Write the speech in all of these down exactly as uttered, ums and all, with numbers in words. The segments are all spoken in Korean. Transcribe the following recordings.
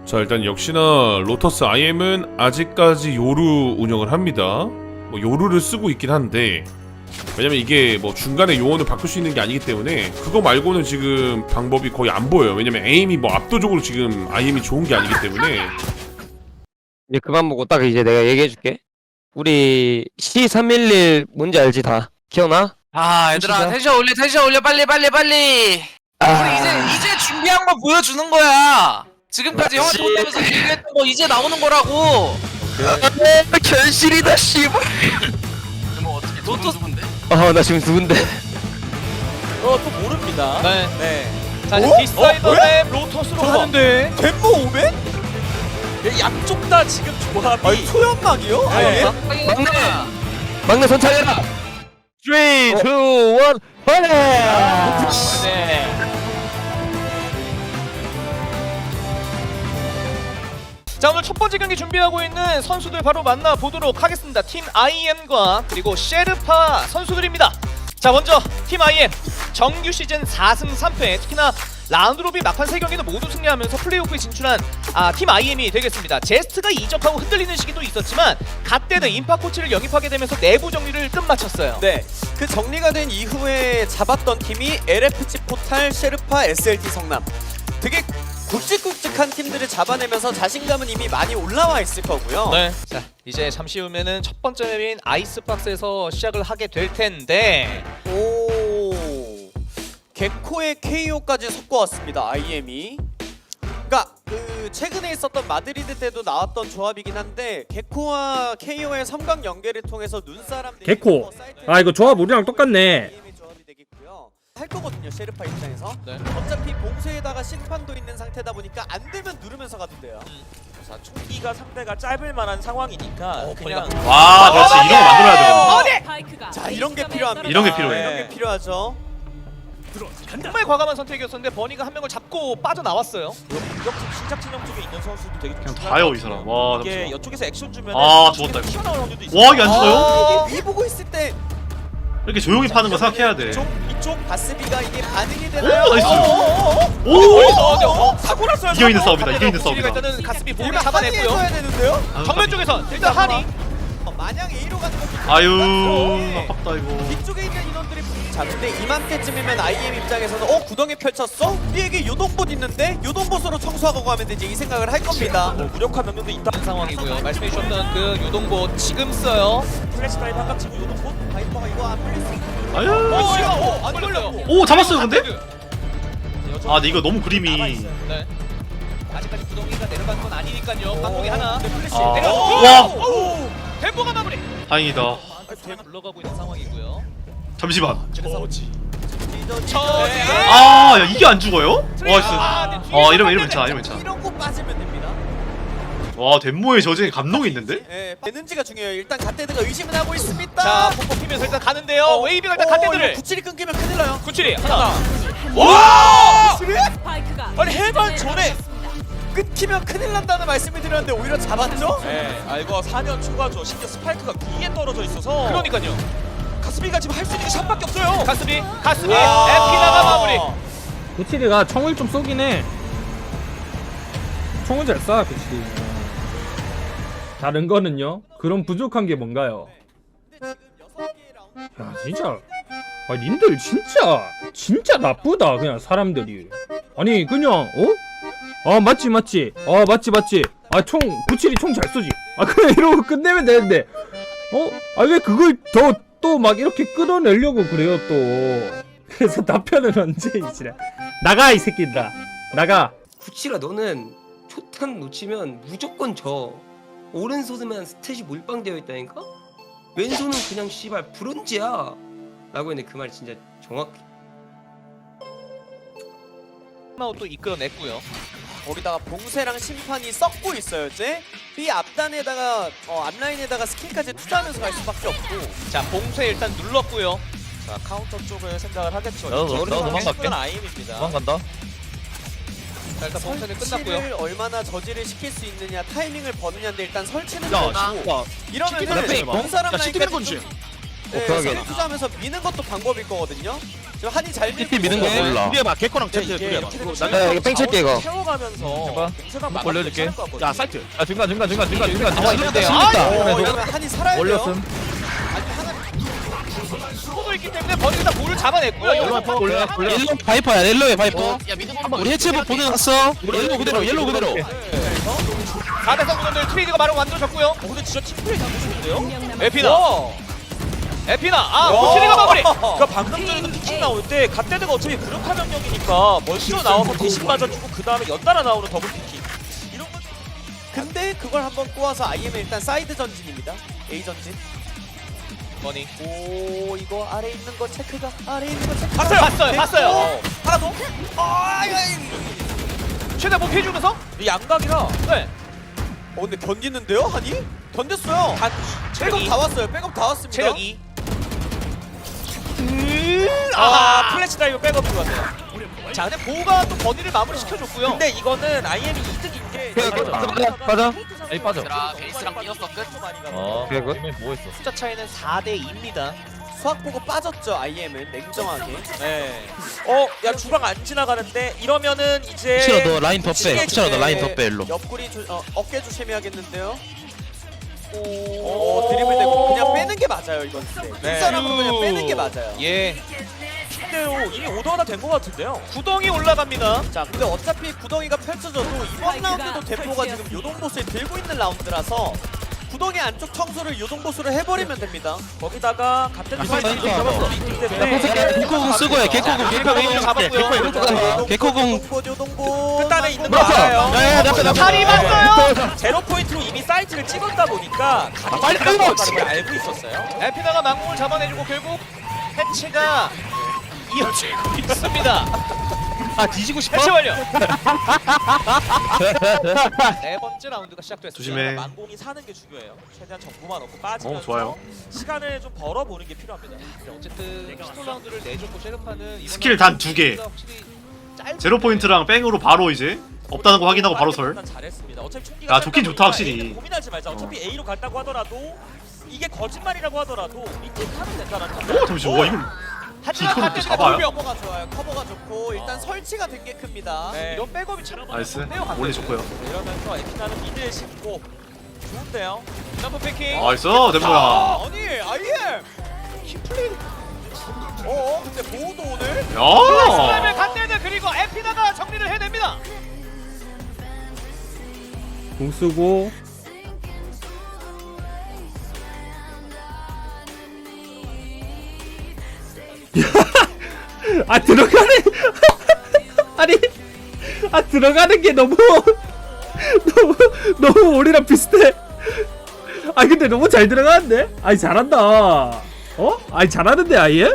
자, 일단 역시나 로터스 아이엠은 아직까지 요루 운영을 합니다. 뭐 요루를 쓰고 있긴 한데, 왜냐면 이게 뭐 중간에 요원을 바꿀 수 있는 게 아니기 때문에 그거 말고는 지금 방법이 거의 안 보여요. 왜냐면 에임이 뭐 압도적으로 지금 아이엠이 좋은 게 아니기 때문에. 이제 그만 보고 딱 이제 내가 얘기해줄게. 우리 씨 삼일일 뭔지 알지 다? 기억나? 아 얘들아 진짜? 텐션 올려 텐션 올려 빨리 빨리 빨리. 아... 우리 이제 이제 준비한 거 보여주는 거야. 지금까지 형한테 그렇지. 혼내면서 준비했던 거 이제 나오는 거라고. 아, 견실이다 씨발. 뭐 어떻게 두 로또- 누군데? 어나 지금 누군데? 어또 모릅니다. 네. 네. 자, 이제 어? 디스타이더 어? 대 로터스로 가는데. 덴모 오백? 양쪽 다 지금 조합이 아니 초연막이요? 아예? 막내 막내 선창해라. 삼, 이, 일, 파이팅! 네. 자, 오늘 첫 번째 경기 준비하고 있는 선수들 바로 만나보도록 하겠습니다. 팀 아이엠과 그리고 셰르파 선수들입니다. 자, 먼저 팀 아이엠 정규 시즌 사 승 삼 패, 특히나 라운드 로빈 막판 세 경기는 모두 승리하면서 플레이오프에 진출한 아, 팀 아이엠이 되겠습니다. 제스트가 이적하고 흔들리는 시기도 있었지만 갓대는 인파 코치를 영입하게 되면서 내부 정리를 끝마쳤어요. 네. 그 정리가 된 이후에 잡았던 팀이 엘에프씨 포탈, 셰르파, 에스엘티 성남. 되게 굵직굵직한 팀들을 잡아내면서 자신감은 이미 많이 올라와 있을 거고요. 네. 자, 이제 잠시 후면은 첫 번째 맵인 아이스박스에서 시작을 하게 될 텐데. 오. 개코의 케이오까지 섞어왔습니다. 아이엠이. 그러니까 그 최근에 있었던 마드리드 때도 나왔던 조합이긴 한데 개코와 케이오의 삼각 연계를 통해서 눈사람 개코. 아 이거 조합 우리랑 똑같네. 아이엠의 조합이 되겠고요. 할 거거든요. 셰르파 입장에서. 네. 어차피 봉쇄에다가 심판도 있는 상태다 보니까 안 되면 누르면서 가도 돼요. 자, 총기가 상대가 짧을 만한 상황이니까 어, 그냥 와, 그렇지. 이런 거 만들어야 되거든. 자, 이런 게 필요합니다. 이런 게 필요해. 이런 게 필요하죠. 정말 과감한 선택이었었는데 버니가 한 명을 잡고 빠져나왔어요. 공격팀 시작 진영 쪽에 있는 선수도 되게 그냥 중요한 다요, 것 이 사람. 같아요. 와, 이게 잠시만. 이쪽에서 액션 주면 아, 죽었다, 이거. 튀어나올 확률도 있어요. 와, 이게 안 죽어요? 아, 이게 위 보고 있을 때 이렇게 조용히 파는 거 생각해야 돼. 이쪽 이쪽 바스비가 이게 반응이 오, 되나요? 나이스. 오! 오! 사고 났어요. 이겨 있는 사고. 싸움이다. 이겨 있는 우리가 싸움이다. 일단은 가스비 몸을 우리가 잡아냈고요. 한이해줘야 되는데요? 정면 쪽에서 일단 한이. 어, 마냥 A로 가는 거 아유, 아깝다 이거. 뒤쪽에 있는 인원들이 자 근데 이맘때쯤이면 아이엠 입장에서는 어 구덩이 펼쳤어? 우리에게 요동봇 있는데 요동봇으로 청소하고 가면 되지 이 생각을 할 겁니다. 뭐 무력화 명령도 있다. 상황이고요. 말씀해 주셨던 그 유동보 지금 써요. 플래시 드라이브 한각 치고 요동포. 바이퍼가 이거 안 풀릴 수 있는 아유. 어, 이거 어, 안 걸렸어요. 걸렸고. 오, 잡았어요, 근데? 여전 아, 근데 이거 너무 그림이. 네. 아직까지 구덩이가 내려간 건 아니니까요. 방송이 하나. 근데 플래시 아. 내가 와. 오! 템포가 마무리. 다행이다. 불러가고 있는 상황이고요. 잠시만. 저 아, 야, 이게 안 죽어요? 와, 진짜. 아, 네, 어, 뒤에서 이러면 이러면 반대네. 괜찮아, 이러면 괜찮아. 이런 거 빠지면 됩니다. 와, 덴모의 저지에 감동이 있는데? 예, 되는지가 중요해요. 일단 갓데드가 의심은 하고 있습니다. 자, 폭폭 피면서 일단 가는데요. 웨이비가 일단 갓대들을. 구칠이 끊기면 큰일 나요. 구칠이 하나. 와! 아니 해반 전에 끊기면 큰일 난다는 말씀을 드렸는데 오히려 잡았죠? 네, 아 이거 사 년 초과죠. 심지어 스파이크가 위에 떨어져 있어서. 그러니까요. 가스비가 지금 할 수 있는 게 샷밖에 없어요. 가스비, 가스비, 와. 에피나가 마무리. 구칠이가 총을 좀 쏘긴 해. 총을 잘 쏴, 구칠이. 다른 거는요? 그럼 부족한 게 뭔가요? 근데 지금 여섯 개의 라운드 야 진짜 아 님들 진짜 진짜 나쁘다 그냥 사람들이. 아니 그냥 어? 아 맞지 맞지 아 맞지 맞지 아 총 구칠이 총 잘 쏘지. 아 그냥 이러고 끝내면 되는데 어? 아 왜 그걸 더 또 막 이렇게 끌어내려고 그래요 또. 그래서 답변은 언제 이지라 나가 이 새끼들아 나가. 구칠아 너는 초탄 놓치면 무조건 져. 오른손에만 스탯이 몰빵되어 있다니까? 왼손은 그냥 씨발 브론즈야 라고 했는데 그 말이 진짜 정확해. 마우또 이끌어냈고요. 거기다가 봉쇄랑 심판이 썩고 있어요 이제. B 앞단에다가 어, 앞라인에다가 스킬까지 투자하면서 갈 수밖에 없고. 자, 봉쇄 일단 눌렀고요. 자, 카운터 쪽을 생각을 하겠죠. 나도- 이쪽은 나도 상당히 도망갈게. 큰 아이엠입니다. 도망간다. 자, 일단 봉쇄는 끝났고요. 설치를 얼마나 저지를 시킬 수 있느냐 타이밍을 버느냐인데 일단 설치는 야, 되고 야, 이러면은 시키는 원 사람 야, 시키는 라인까지 건지. 좀 네, 오케이, 오케이. 스킬 투자하면서 미는 것도 방법일 거거든요. 지금 한이 잘 밀고 미는 거 있어요. 몰라. 둘이해봐 개코랑 근데 채트 이게 둘이해봐. 이렇게 되면 나 이거 뺑 칠게 이거. 태워가면서 해봐. 공세가 목 올려줄게. 야 사이트. 아 중간 중간 중간 중간 중간 아, 중간. 이거 아, 어, 그래도 이러면 한이 살아야 돼요. 올렸음. 수도 있기 때문에 버니가 다 볼을 잡아냈고요. 여기서 올려, 올려. 옐로 바이퍼야 옐로의 바이퍼. 우리 해체부 보내놨어. 옐로 그대로 옐로 그대로. 사 대 삼 구전들 트레이드가 바로 만들어졌고요. 어, 근데 진짜 팀플레이 잘못했는데요? 에피나. 와. 에피나. 아, 와. 트레이드가 마무리. 그러니까 방금 전에도 피킹 나올 때 갓데드가 어차피 무력화 명령이니까 멀티로 나와서 대신 맞아주고 그 다음에 연달아 나오는 더블 피킹. 이런 건 근데 그걸 한번 꼬아서 아이엠은 일단 사이드 전진입니다. A 전진. 버니. 오 이거 아래 있는 거 체크가 아래 있는 거 체크. 봤어요. 봤어요. 봤어요. 하나 더? 아 이거 최대 뭐 피해주면서? 이 양각이라 네. 어 근데 견디는데요 한이? 견뎠어요. 한 백업 다 왔어요. 백업 다 왔습니다. 체력 이. 아 플래시 다이브 백업 들어왔네요. 자, 근데 보우가 또 버니를 마무리 시켜줬고요. 근데 이거는 아이엠이 이득인 게 맞아, 맞아. 에이 빠져. 베이스랑 뛰었어 끝. 어. 그래, 그래? 이번엔 뭐 했어? 숫자 차이는 사 대 이입니다. 수학 보고 빠졌죠 아이엠은 냉정하게. 네. 어, 야 주방 안 지나가는데 이러면은 이제 혹시나 너 라인 더 빼. 미치겠지. 혹시나 너 라인 더 빼 일로. 옆구리 조, 어, 어깨 조심해야겠는데요. 오, 드리블 되고 그냥 빼는 게 맞아요 이건. 네. 윗사람으로 그냥 빼는 게 맞아요. 예. 실제로 이미 오더 하나 된 것 같은데요. 구덩이 올라갑니다. 자 근데 어차피 구덩이가 펼쳐져도 이번 라운드도 대포가 지금 요동보스에 들고 있는 라운드라서 구덩이 안쪽 청소를 요동보스로 해버리면 됩니다. 거기다가 갑자기 아, 사이드 사이드 잡았어. 잡았어. 있기 야, 때문에 포스게 개코공 쓰고 해. 개코공, 개코공. 잡았고요. 개코공. 요동보 요동보. 끝단에 있는 거 그렇죠. 알아요. 야야 나ppe 나ppe. 다리 맞어요. 제로 포인트로 이미 사이트를 찍었다 보니까 빨리 가는 끊어, 걸 알고 있었어요. 에피나가 망공을 잡아내주고 결국 해체가 이어지고 있습니다. 아 뒤지고 싶어? 해체 완료. 네 번째 라운드가 시작됐습니다. 조심해. 망공이 사는 게 중요해요. 최대한 정보만 얻고 빠지면서 어, 좋아요. 시간을 좀 벌어보는 게 필요합니다. 어쨌든 피스톨 라운드를 내줬고 셰르파는 이번 스킬 단 두 개. 확실히 짧은 제로 포인트랑 뺑으로 바로 이제 없다는 거 확인하고 바로 설. 일단 잘했습니다. 어차피 총기가 야, 좋긴 짧다 좋다, 보니까 확실히. A는 고민하지 말자. 어차피 A로 간다고 하더라도 이게 거짓말이라고 하더라도 리테이크 하면 된다는 오 잠시만. 와 이걸 하지만 이거를 또 반대쪽에 잡아요? 돌병. 커버가 좋아요. 커버가 좋고 일단 설치가 된 게 큽니다. 네. 이런 백업이 참 나이스. 좋네요. 원래 좋고요. 이러면서 에피나는 미드에 싣고 좋은데요. 점프 패킹. 나이스 덴모야. 아, 아니 아이엠 킴플레이. 어 근데 보호도 오늘 슬라임을 야. 갓대드 그리고 에피나가 정리를 해냅니다. 공 쓰고 아 들어가네. 아니 아 들어가는 게 너무 너무 너무 우리랑 비슷해. 아 근데 너무 잘 들어가는데? 아니 잘한다. 어? 아니 잘하는데 아예?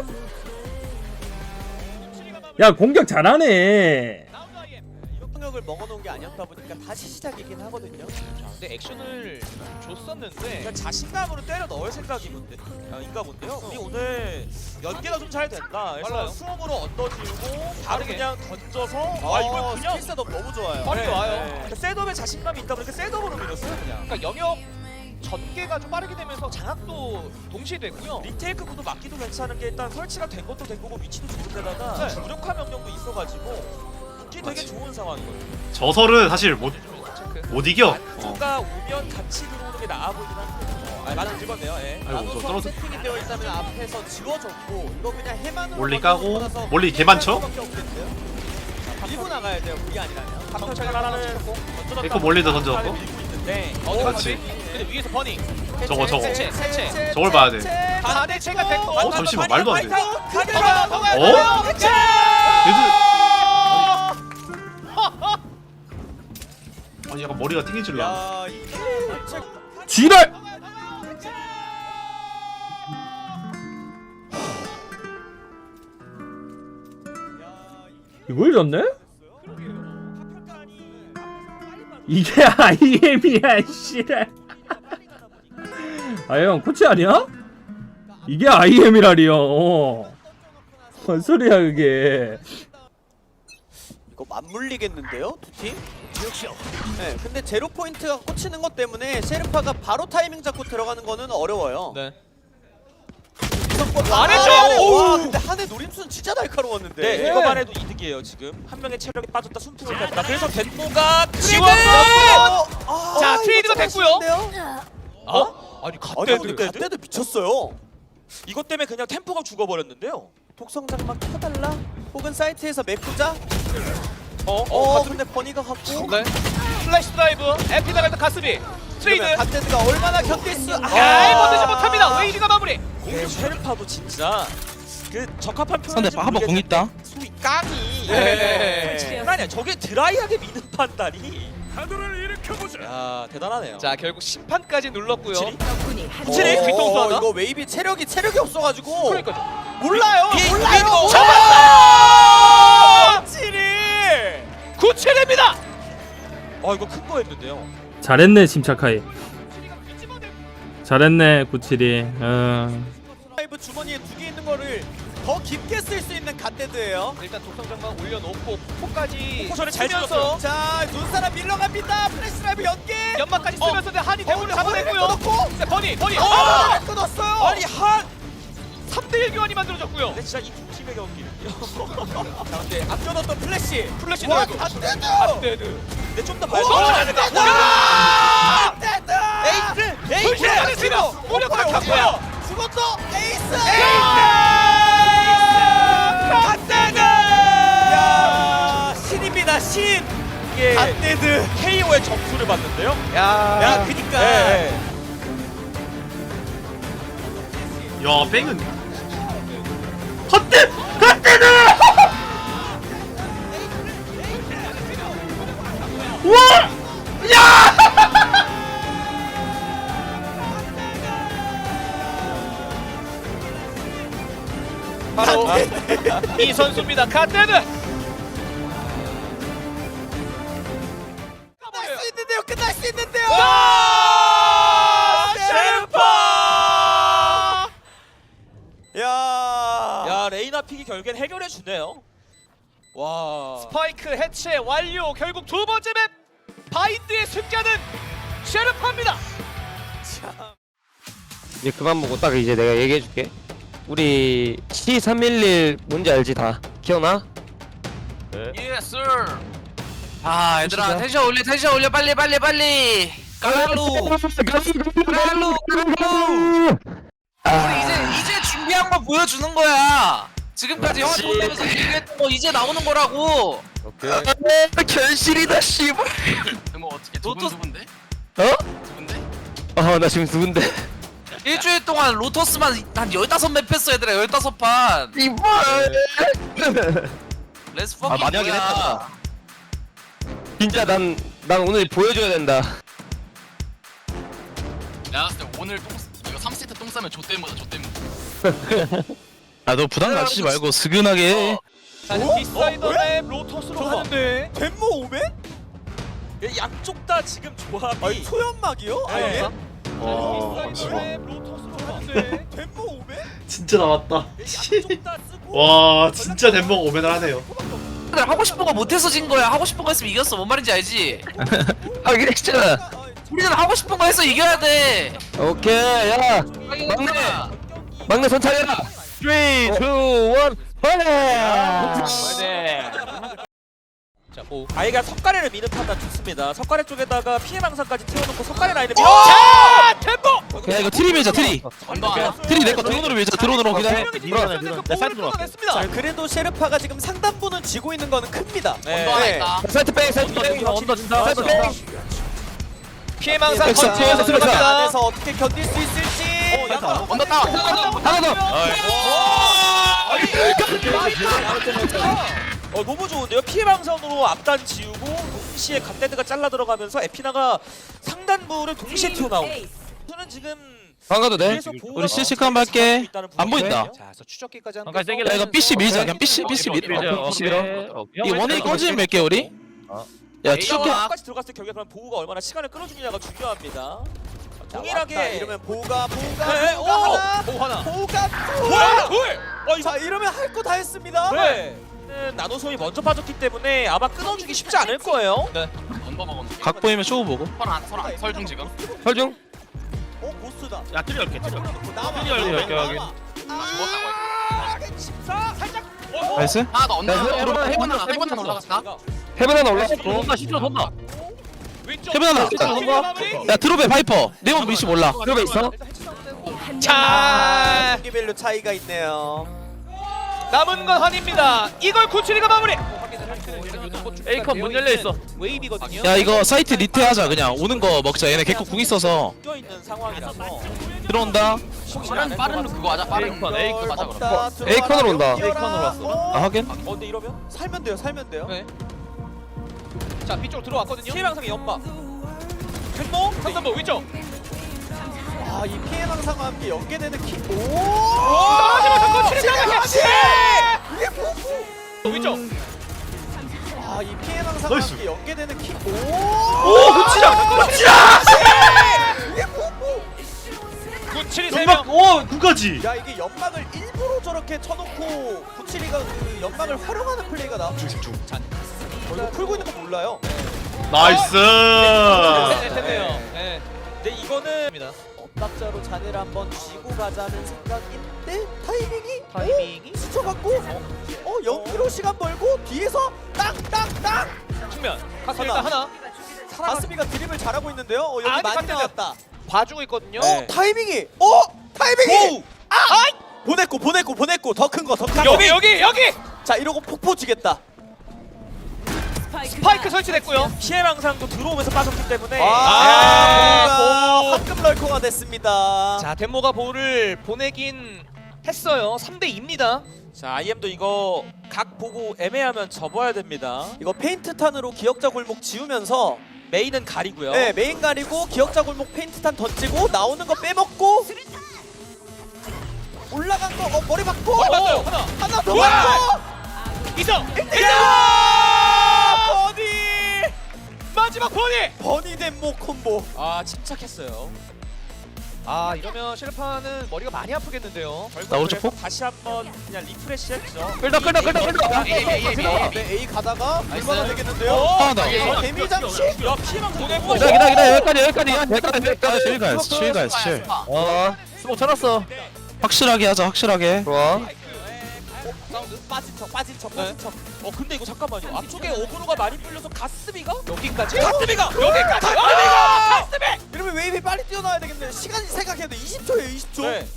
야 공격 잘하네. 폭력을 먹어놓은 게 아니었다 보니까 다시 시작이긴 하거든요. 근데 액션을 줬었는데 그냥 자신감으로 때려 넣을 생각이 뭔데? 아, 인가 본데요. 우리 오늘 연계가 좀 잘 된다. 그래서 빨라요. 수업으로 얹어지고 바로 빠르게. 그냥 던져서 아 아 이걸 그냥 스킬 셋업 너무 좋아요. 빨리 네, 와요. 네. 그러니까 셋업에 자신감이 있다 보니까 셋업으로 밀었어요 그냥. 그러니까 영역 전개가 좀 빠르게 되면서 장악도 동시에 됐고요. 리테이크 구도 막기도 괜찮은 게 일단 설치가 된 것도 된 거고 위치도 좋은데다가 네. 무력화 명령도 있어가지고 붙기 되게 맞지. 좋은 상황이거든요. 저설은 사실 못 체크. 못 이겨. 어. 안쪽가 오면 같이 들어오는 게 나아 보이긴 한데. 어, 아, 나는 읽었네요. 예. 아이고 저 나노 떨어져. 세팅이 되어 있다면 앞에서 지워줬고 이거 그냥 해만으로 몰리 먼저 까고, 돌아서 몰리 개 많죠? 수밖에 없겠는데요? 자, 밀고 나가야 돼요. 그게 아니라면. 방탄차가 하나는 에코 몰리도 던져갖고. 밀고 있는데 어, 그렇지. 근데 위에서 버닝. 저거 저거. 해체, 해체. 저걸 봐야 돼. 다 대체가 됐고. 어 잠시만 말도 안 돼. 가드가 통화요. 어? 해체. 얘들 아니 약간 머리가 튕기질라. 야 이게 대체 지랄. 이걸 졌네? 이게 아이엠이야 씨랄. 아 형 코치 아니야? 이게 아이엠이라리요. 어. 뭔 소리야 그게. 이거 맞물리겠는데요, 두 팀? 네, 근데 제로 포인트가 꽂히는 것 때문에 셰르파가 바로 타이밍 잡고 들어가는 거는 어려워요. 네. 죽었다. 안 해줘! 와 근데 한해 노림수는 진짜 날카로웠는데. 네, 이거만 해도 이득이에요 지금. 한 명의 체력이 빠졌다 숨통을 뺐다. 그래서 덴모가 지원. 아, 자, 이거 트레이드가 좀 됐고요. 아쉬운데요? 어? 아니 아니 근데 갓데드 미쳤어요. 이것 때문에 그냥 템포가 죽어버렸는데요. 독성장막 켜달라? 혹은 사이트에서 메꾸자? 어? 어, 어? 근데 버니가 갖고 네. 플래시 드라이브 에피나갈 때 가스비 트레이드. 그러면 갓데드가 얼마나 견딜 수? 아, 아, 버티지 못합니다. 웨이드가 마무리. 네, 쉐르파도 진짜 그 적합한 상대 표현인지 한번 공 있다. 소위 깡이 네. 장난 아니야. 저게 드라이하게 미는 판단이 야 대단하네요. 자, 결국 심판까지 눌렀고요. 구칠이? 구칠이 어, 뒤통수 하나? 이거 웨이비 체력이 체력이 없어가지고 그러니까요. 몰라요 이- 몰라요 이거- 잡았다! 구칠이 구칠입니다. 아 이거 큰 거였는데요. 잘했네 침착하게. 잘했네 구칠이. 어. 라이브 주머니에 두 개 있는 거를 더 깊게 쓸 수 있는 갓데드예요. 일단 독성장막 올려놓고 포까지 포커션을 잘 쓰면서 자 눈사람 밀러갑니다. 플래시 라이브 연계. 연막까지 어. 쓰면서 어. 한이 대문을 어, 잡아냈고요. 끊었고. 자, 버니 버니. 아 끊었어요. 아니 한. 삼 대 일 교환이 만들어졌고요. 근데 진짜 이 두 팀의 경기. 자 근데 앞겨뒀던 플래시. 플래시 와 드라이브. 갓데드. 갓데드. 근데 좀 더 봐야 오, 돼. 갓데드. 에이스! 에이스! 불신하겠습니다. 무력 박혔고요. 죽었어 에이스. 갓데드. 야 신입니다 신. 이게 갓데드. 케이오의 점수를 봤는데요. 야. 야 그니까. 네. 야 뺑은 헛대 헛대는 바로 이 선수입니다. 갓데드. 끝날 수 있는데요. 끝날 수 있는데요. 와! 셰르파! 야. 야 레이나 픽이 결국엔 해결해 주네요. 와. 스파이크 해체 완료. 결국 두 번째 맵 바인드의 승자는 셰르파입니다. 이제 그만 보고 딱 이제 내가 얘기해줄게. 우리 씨 삼일일 뭔지 알지 다? 기억나? 예스. 아 얘들아 텐션 올려 텐션 올려 빨리 빨리 빨리. 까랄루 까랄루 까랄루. 우리 이제 이제 준비한 거 보여주는 거야. 지금까지 형을 보면서 얘기했던 거 이제 나오는 거라고. 오케이. 결실이다 씨발. 뭐 어떻게 로토 누군데? 어? 누군데? 어, 나 지금 누군데? 일주일 동안 로토스만 한 열다섯 맵 했어 얘들아 열다섯 판. 이발. 레츠 아, 퍼킹 많이 하긴 뭐야. 했다. 진짜 난, 난 오늘 보여줘야 된다. 내가 봤을 때 오늘 똥 이거 삼 세트 똥 싸면 좆대무다 좆대무. 아 너 부담 갖지 말고 스근하게 해. 자, 디사이더 맵 로터스로 가는데 덴모 오멘? 양쪽 다 지금 조합이 아니 소연막이요? 아예? 와 디사이더 맵 로터스로 가는데 덴모 오멘? 진짜 나왔다. 양쪽 다 쓰고 와 진짜 덴버가 오면을 하네요. 얘들 하고 싶은 거 못해서 진 거야. 하고 싶은 거 했으면 이겼어. 뭔 말인지 알지? 하긴 했잖아. 우리는 하고 싶은 거 해서 이겨야 돼. 오케이, 야. 막내. 막내 손 차려라. 삼, 이, 일, 파이팅! 네. 자, 오. 아이가 석가래를 미는 판단 좋습니다. 석가래 쪽에다가 피해 방사까지 태워놓고 석가래 라인을 밀어. 자, 템포. 야 이거 트리 밀자 트리. 언더 하나. 트리 내거 드론으로 밀자 드론으로 그냥 해. 밀어내, 밀어내. 사이드 들어갔습니다. 자 그래도 셰르파가 지금 상단부는 지고 있는 거는 큽니다. 네. 언더 하나 있다. 사이트 백, 사이트 백. 언더 준다. 사이드 백. 피해 망상 엑스, 컨트롤 엑스, 들어갑니다. 안에서 어떻게 견딜 수 있을지. 언더 다운. 하나 더. 어 너무 좋은데요. 피해 방선으로 앞단 지우고 동시에 갓데드가 잘라 들어가면서 에피나가 상단부를 동시에 튀어나오고. 저는 지금 방가도 돼? 뒤에서 보호가 우리 실시간 한번 할게. 안 보인다. 자, 그래서 추적기까지 한. 야 이거 삐씨 밀자 그냥 삐씨 삐씨 밀. 삐씨 밀어. 이 원웨이 꺼지면 밀게 우리. 야 추적해. 까지 들어갔을 때 결국에 그럼 보호가 얼마나 시간을 끌어주느냐가 중요합니다. 자, 동일하게 왔다. 이러면 보가 보가 네, 보가 오! 하나. 오, 하나. 보가 뭐야? 둘! 어 자 이러면 할 거 다 했습니다. 네. 나노솜이 먼저 빠졌기 때문에 아마 끊어주기 쉽지 않을 거예요. 언더 먹었네. 각 보이면 쇼 보고. 설안 설안 설중 지금. 설중. 어 보스다. 야 트리 열게 트리 열게. 남아. 트리 열게 열게 하게. 십사 살짝. 나이스. 하나 더 언더. 나 해본- 해본 해본- 하나 해본 하나 올라갔다. 헤븐 하나 올라갔고. 돈다 십초 돈다. 왼쪽. 해본 하나. 야 드롭에 바이퍼. 네번 미시 몰라. 드롭에 있어. 자, 경기별로 차이가 있네요. 남은 건 한입니다. 이걸 구칠이가 마무리. 에이컨 문 열려 있어. 웨이비거든요. 야 이거 사이트 리테하자 그냥. 오는 거 먹자. 얘네 개코 궁 있어서 껴 있는 상황이라서 들어온다. 빠른 빠른 룩 그거 하자. 빠른 룩 에이컨 하자 그럼. 없다. A컨으로 온다. A컨으로 왔어. 아 하긴. 어 근데 이러면 살면 돼요. 살면 돼요. 네. 자, B쪽 들어왔거든요. 피해 방상의 연막 캔모 삼삼보 위쪽. 아, 이 피해 방상과 함께 연계되는 키. 오! 떨어지면서 구칠이가 같이. 이게 뭐? 위쪽. 아, 이 피해 방상과 나이스. 함께 연계되는 키. 오! 오, 구칠아. 구칠아. 이게 뭐? 구칠이 세 명. 연막 오 구까지. 야, 이게 연막을 일부러 저렇게 쳐놓고 구칠이가 그 연막을 활용하는 플레이가 나. 중심 중. 어, 이거 풀고 있는 거 몰라요. 나이스. 됐네요. 네. 근데 이거는 엇박자로 자네를 한번 쥐고 가자는 생각인데 타이밍이 타이밍이 오? 스쳐갖고 어 연기로 시간 벌고 뒤에서 땅땅땅 측면. 가스 일단 하나. 가스미가 드립을 잘하고 있는데요. 어, 여기 아니, 많이 깜짝이야. 나왔다. 봐주고 있거든요. 어 타이밍이 어 타이밍이 아 보냈고 보냈고 보냈고 더 큰 거 더 큰 거. 여기 여기 여기. 자 이러고 폭포 주겠다. 스파이크 설치됐고요. 피해 방상도 들어오면서 빠졌기 때문에 아, 아, 보. 황금 럴커가 됐습니다. 자, 덴모가 볼을 보내긴 했어요. 삼 대 이입니다. 자 아이엠도 이거 각 보고 애매하면 접어야 됩니다. 이거 페인트 탄으로 기억자 골목 지우면서 메인은 가리고요. 네 메인 가리고 기억자 골목 페인트 탄 던지고 나오는 거 빼먹고 올라간 거 어, 머리 박고 어, 맞아요. 하나. 하나 더 우와! 박고 이성. 야! 버니 마지막 버니. 버니 덴모 콤보. 아 침착했어요. 아, 이러면 셰르파는 머리가 많이 아프겠는데요. 나 오른쪽 폭. 다시 한번 그냥 리프레시했죠. 끌다 끌다 끌다 끌다. 에이 에이 에이 네, 에이. A 가다가 나이스. 얼마나 되겠는데요? 하나 더. 어, 데미 장치. 야 피해 방상 보냈고. 기다 기다 기다 여기까지 여기까지 여기까지 여기까지 칠 가야지 칠 가야지 칠. 어 스모 쳐놨어. 확실하게 하자 확실하게. 좋아. 사운드 빠진 척 빠진 척 빠진 척. 어 근데 이거 잠깐만요. 앞쪽에 오브로가 많이 풀려서 가스비가 여기까지. 가스비가 여기까지. 가스비가 이러면 웨이비 빨리 뛰어나와야 되겠네. 시간이 생각해도 이십 초예요, 이십 초. 네.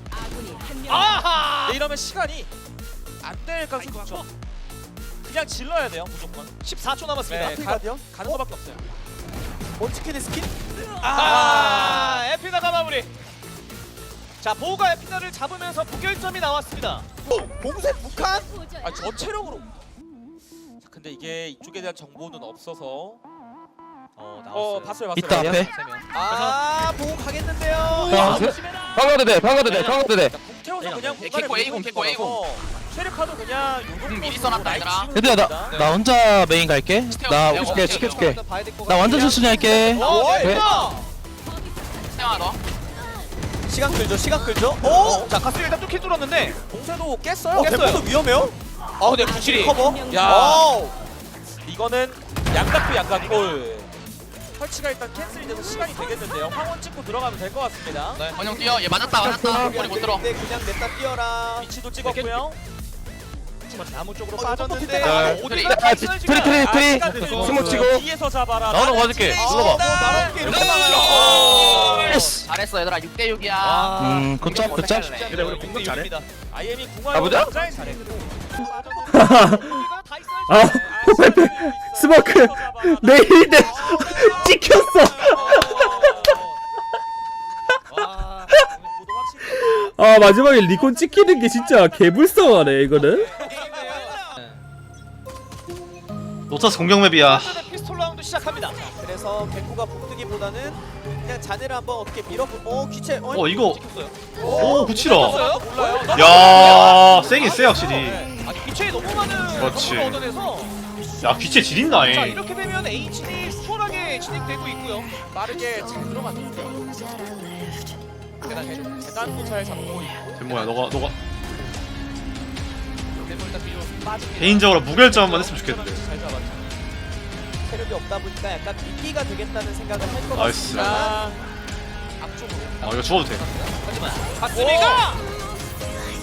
아하. 네, 이러면 시간이 안 될 가능성이 높죠. 그냥 질러야 돼요 무조건. 십사 초 남았습니다. 네, 가, 가, 가디언? 가는 거밖에 없어요. 먼치킨의 스킨? 아, 에피나가 마무리. 자, 보우가 에피나를 잡으면서 부결점이 나왔습니다. 봉쇄 북한? 아 전체력으로. 자, 근데 이게 이쪽에 대한 정보는 없어서. 어 나왔어요. 어 봤어요 봤어요. 이따 앞에. 세 명. 아, 보고 가겠는데요. 방 방가도 돼 방가도 돼 방가도 돼. 태워서 그냥 네, 개코 A공, 개코 A공. 쉐르카도 그냥 음, 미리 써놨다, 얘들아. 얘들아 나 나 혼자 메인 갈게. 나 내가 오실게 오케이, 지켜줄게. 봐야 될것 나 완전 같은데요. 천천히 할게. 어, 네. 에피나. 하나 더. 시간 끌죠, 시간 끌죠. 오! 자, 가스 일단 뚫긴 뚫었는데. 봉쇄도 깼어요. 어, 깼어요. 템포도 위험해요? 아, 근데 구칠이. 커버? 야. 와우. 이거는 양각도 양각골. 설치가 일단 캔슬이 돼서 시간이 되겠는데요. 황원 찍고 들어가면 될 것 같습니다. 네. 원형 뛰어. 얘 맞았다 맞았다. 머리 못 들어. 네, 그냥 냈다 뛰어라. 위치도 찍었고요. 나무 쪽으로 어, 빠졌는데. 이거 네. 어디가 아, 지- 트리 트리 아, 트리. 시간 되죠. 스모 치고. 뒤에서 잡아라. 나오는 거 봐줄게. 눌러봐. 나랑 이렇게 오! 예스. 잘했어 얘들아. 육 대 육이야. 아, 음 굿잡 굿잡. 그래, 우리 공격 잘해. 아이엠이 가보자. 궁화를 잘했고. 아, 호펠 스모크 내일인데 찍혔어. 아 마지막에 리콘 찍히는 게 진짜 개불쌍하네 이거는. 노타스 공격 맵이야. 피스톨 라운드 시작합니다. 그래서 개코가 북뜨기보다는 그냥 자네를 한번 어떻게 밀어보. 어 귀체. 어, 어 이거 찍혔어요. 오 구칠아. 몰라요? 야 세긴 세 확실히. 아니, 귀체에 너무 많은 그렇지. 점수를 얻어내서 야 귀체 자, 지린다잉. 이렇게 되면 H이 수월하게 진행되고 있고요. 빠르게 잘 들어갔는데. 대단해. 계단도 잘 잡고 있고. 뭐야 너가 너가 일단 뒤로 빠집니다. 개인적으로 무결점만 했으면 좋겠는데. 잘 잡았죠. 체력이 없다 보니까 약간 미끼가 되겠다는 생각을 할 것 나이스. 같습니다. 앞쪽으로. 아 이거 죽어도 돼. 하지만 박수미가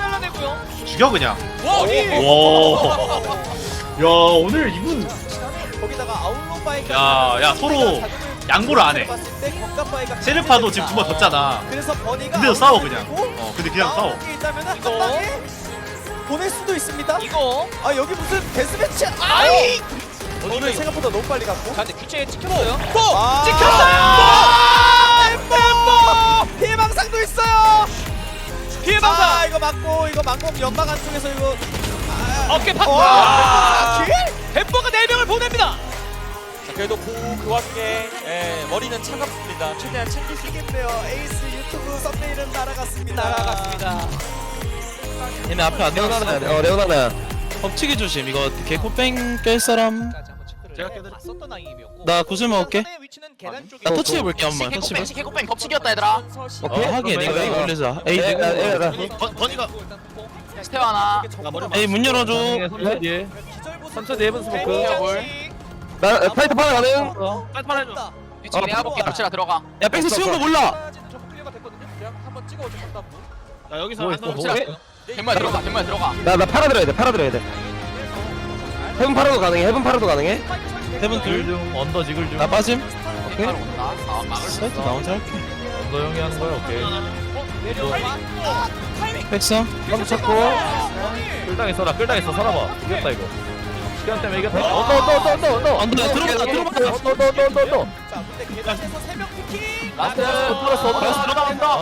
잘라내고요. 죽여 그냥. 와, 와. 야 오늘 이분. 거기다가 아웃로 바이가 야, 야, 서로 양보를 안 해. 세르파도 지금 두 번 졌잖아. 그래서 버니가 근데도 싸워 아웃로 그냥. 들고 어 근데 그냥 싸워. 나오는 게 있다면은 한 이거. 방에 보낼 수도 있습니다. 이거 아 여기 무슨 데스매치? 아이! 오늘 생각보다 너무 빨리 갔고. 자, 근데 귀체에 찍혔어요. 또 아. 찍혔어요. 엠버 피해 방상도 있어요. 피해 방상. 아 이거 맞고 이거 망공 연막 안쪽에서 이거 어깨 팍. 와, 햄버거 네 명을 보냅니다. 자, 그래도 그, 그 와중에 예, 머리는 차갑습니다. 최대한 챙길 수 이겠네요. 에이스 유튜브 썸네일은 날아갔습니다. 날아갔습니다. 얘네 앞에 안 레오나나 어 레오나나 엎치기 조심. 이거 개코 뺑깰 사람. 제가 봤었던 아이엠이었고. 나 구슬 먹을게. 선수의 위치는 계단 쪽에. 나 터치 해볼게 한번. 터치 개코뺑 해봐. 개코뺑 겹치기였다 얘들아. 어 하긴 이거 이거 올리자. 에이 에, 나, 에, 나. 번 번이가 스테어 하나. 에이 문 열어줘. 천천히 해본 스모크 볼. 나 파이터 파라 가능? 빨리 해줘. 위치 내가 볼게. 겹치라 들어가. 야 백스 치운 거 몰라. 좀 클리어가 됐거든요. 그냥 한번 찍어오죠 상단부. 자 여기서 뭐 안 있어, 겹치라. 뭐 gem마에 들어가. gem마에 들어가. 나 나 팔아 들어야 돼 팔아 들어야 돼 헤븐 팔아도 가능해 헤븐 팔아도 가능해 세븐 둘. 언더 지글 중. 나 빠짐. 오케이. 온다. 아 막을 수 사이트 나 있어. 혼자 할게. 언더 형이 하는 거야 오케이 백스. 한번 찾고 끌당했어 나 끌당했어 살아봐 이겼다 이거 시간 때문에 이겼다 언더 언더 언더 언더 언더 언더 들어갔다 들어갔다. 언더 언더 언더 언더 언더 자 근데 계단에서 세 명 피킹. 라스트. 들어갔어 언더 들어간다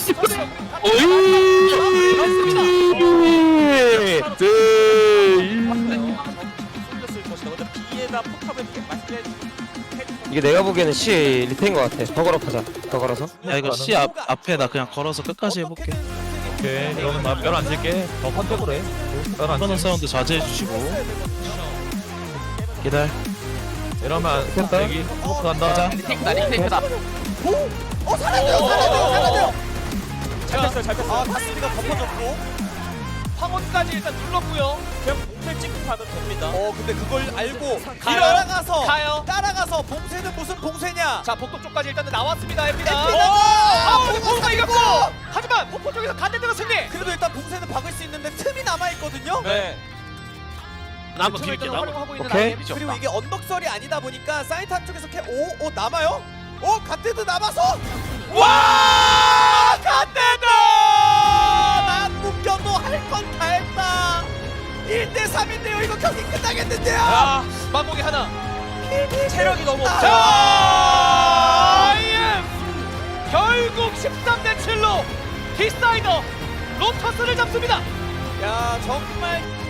쏠렸을 것이다. 근데 B에다 포탑을 맞게 이게 내가 보기에는 C 리테인 것 같아 더 걸어파자 더 걸어서 야 이거 C 앞 앞에 나 그냥 걸어서 끝까지 해볼게. 오케이 그러면 나별안 칠게 더 컨택으로 해별안 이거는 사운드 자제해 주시고. 기다려. 이러면 됐다. 여기 스모크 간다 가자. 리테이크다. 리테이크다. 어 살아나요 살아나요 살아나요. 잘 뺐어요, 잘 뺐어요. 아 다스가 덮어졌고. 황혼까지 일단 눌렀고요. 그냥 봉쇄 찍고 가면 됩니다. 어 근데 그걸 알고 가요. 따라가서 가요. 따라가서 봉쇄는 무슨 봉쇄냐? 자, 복도 쪽까지 일단은 나왔습니다. 엠비다. 엠비다가! 아, 봉쇄가 포포가 이겼고. 이겼고! 하지만 포포 쪽에서 간대드가 승리. 그래도 일단 봉쇄는 박을 수 있는데 틈이 남아 있거든요. 네. 나 한번 틈을 비빌게. 일단 나 한번. 활용하고 있는 오케이. 아이엠이 그리고 이게 언덕설이 아니다 보니까 사이트 한쪽에서 캐 오, 오 남아요? 오 갓데드 남아서 와 갓데드 난 묶여도 할 건 다 했다 일 대 삼인데요 이거 경기 끝나겠는데요 자, 만복이 하나. 체력이 너무 없어. 아. 자, 아이엠 결국 십삼 대 칠로 디사이더 로터스를 잡습니다. 야 정말